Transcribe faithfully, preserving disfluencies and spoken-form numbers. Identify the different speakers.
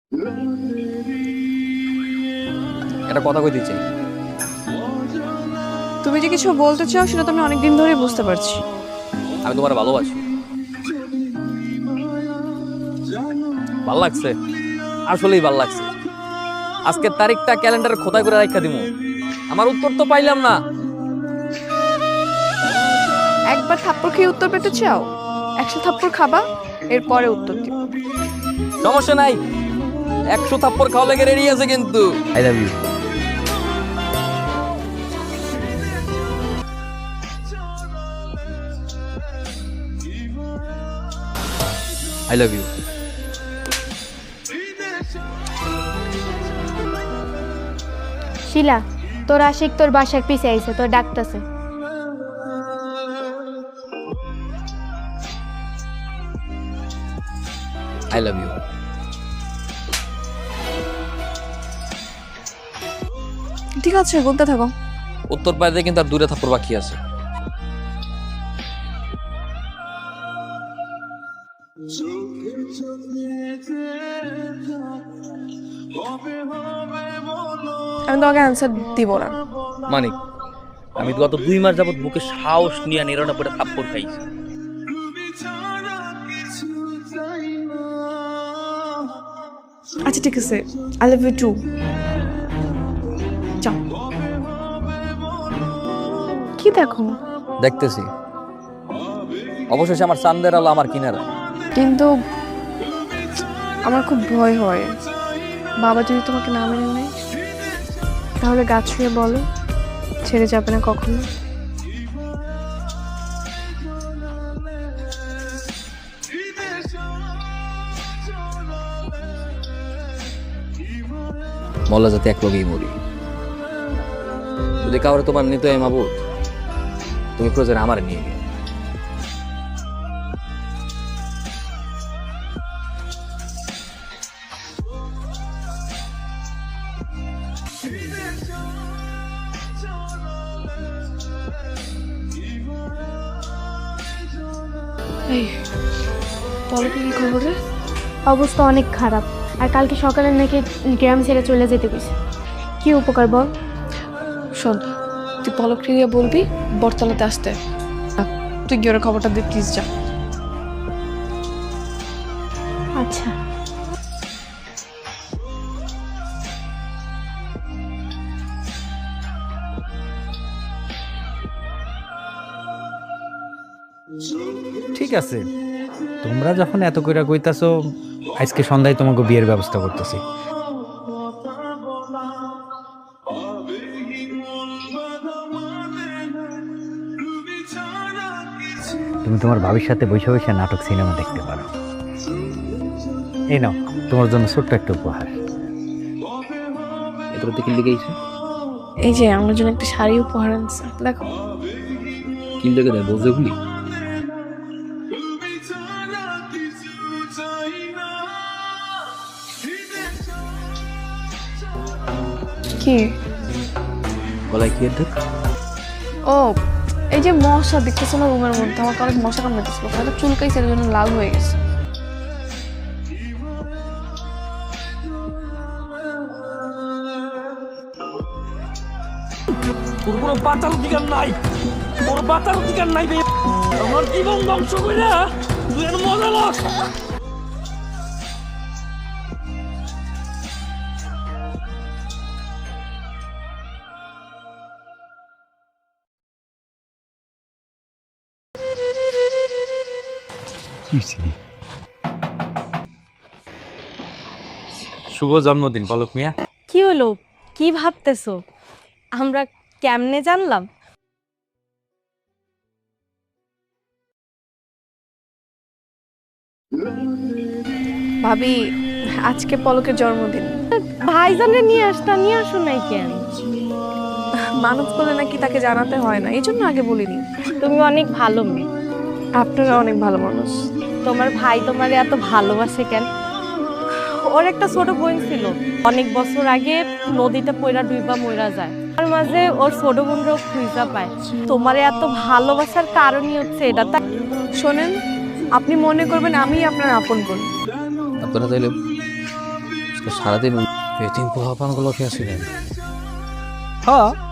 Speaker 1: একটা কথা কইতে চাই।
Speaker 2: তুমি যে কিছু বলতে চাও সেটা তো আমি অনেকদিন ধরেই বুঝতে পারছি।
Speaker 1: আমি তোমার ভালোবাসি। ভাল লাগছে, আসলেই ভাল লাগছে। আজকের তারিখটা ক্যালেন্ডারে খোদাই করে রাখা দিমু। আমার উত্তর তো পাইলাম না।
Speaker 2: একবার থাপ্পড় খেয়ে উত্তর পেতে চাও? একশো থাপ্পড় খাবা, এরপরে উত্তর দিও।
Speaker 1: সমস্যা নাই, একশো থাপ্পড় খাওয়া লেগে রেডি আছে কিন্তু। I love you. I love you.
Speaker 3: Shila, তোর আশিক তোর বাসার পিছে আইছে, তোর ডাকতেছে।
Speaker 1: I love you.
Speaker 2: ঠিক আছে, বলতে থাকো।
Speaker 1: উত্তর পাইতে কিন্তু আর দূরে থাপ্পড় বাকি আছে।
Speaker 2: আমি তোমাকে অ্যান্সার দিব না।
Speaker 4: মানিক, আমি গত দুই মাস যাবত বুকে সাহস নিয়ে নিরানব্বইটা থাপ্পড় খাইছি।
Speaker 2: আচ্ছা ঠিক আছে, আই লাভ ইউ টু। যাও। কি দেখো?
Speaker 1: দেখতেছি, অবশেষে আমার চান্দের আলো আমার কিনারা।
Speaker 2: কিন্তু আমার খুব ভয় হয়, বাবা যদি তোমাকে না মেনে নেয়, তাহলে গাছ ছুঁয়ে বলো ছেড়ে যাবে না কখনো।
Speaker 1: মল্লা যাতে এক লগেই মরি। যদি কাউরে তোমার নিতে হয় মাবুদ, তুমি প্রয়োজন আমার নিয়ে গিয়ে।
Speaker 2: এই বলো কি খবর রে?
Speaker 3: অবস্থা অনেক খারাপ, আর কালকে সকালে নাকি গ্রাম ছেড়ে চলে যেতে কইছে। কি উপকার বল?
Speaker 2: শোন, তুই পলক গিয়ে বলবি বরতলাতে আসতে। তুই গিয়ে ওর খবরটা দে প্লিজ, যা।
Speaker 3: আচ্ছা।
Speaker 5: ঠিক আছে, তোমরা যখন এত কইরা কইতাছো, আজকে সন্ধ্যায় তোমাকে বিয়ের ব্যবস্থা করতেছি। তুমি তোমার ভাবির সাথে বসে বসে নাটক সিনেমা দেখতে পারো। এই নাও তোমার জন্য ছোট্ট একটা উপহার।
Speaker 1: এগুলো দেখে লিখেছে
Speaker 2: এই যে আমার জন্য একটা শাড়ি উপহার আনছে, দেখো।
Speaker 1: কি লেগে দেয় বোঝে গুলি।
Speaker 2: কি?
Speaker 1: গলায় কি দেখ?
Speaker 2: ও, এই যে মশা দেখতেছো না রুমের মধ্যে, আমাকে অনেক মশা কামড়াইতেছিল, হয়তো চুলকাইছে, এর জন্য লাল হয়ে গেছে।
Speaker 4: তোর কোনো বাঁচার অধিকার নাই, তোর বাঁচার অধিকার নাই বে। আমার জীবন ধ্বংস কইরা তুই এর মজা লস।
Speaker 5: শুভ জন্মদিন পলক মিয়া।
Speaker 6: কি হলো? কি ভাবতেছো? আমরা কেমনে জানলাম?
Speaker 2: ভাবি, আজকে পলকের জন্মদিন।
Speaker 6: ভাইজানরে নিয়ে আসতা, নিয়ে আসো নাই কেন?
Speaker 2: মানত করলে নাকি তাকে জানাতে হয় না, এই জন্য আগে বলিনি।
Speaker 6: তুমি অনেক ভালো মেয়ে।
Speaker 2: আপনারা অনেক ভালো মানুষ।
Speaker 6: তোমার ভাই তোমারে এত ভালোবাসে কেন? ওর একটা ছোট বোন ছিল, অনেক বছর আগে নদীতে পয়রা ডুইবা মইরা যায়। তার মাঝে ওর ছোট বোনরাও খুঁজা পায়। তোমারে এত ভালোবাসার কারণই হচ্ছে এটা। তাই
Speaker 2: শোনেন, আপনি মনে করবেন আমি আপনার আপন বোন।
Speaker 1: আপনারা চাইলে সারাদিন এতিম পোহাপানগুলো খেয়েছিলেন?
Speaker 5: হ্যাঁ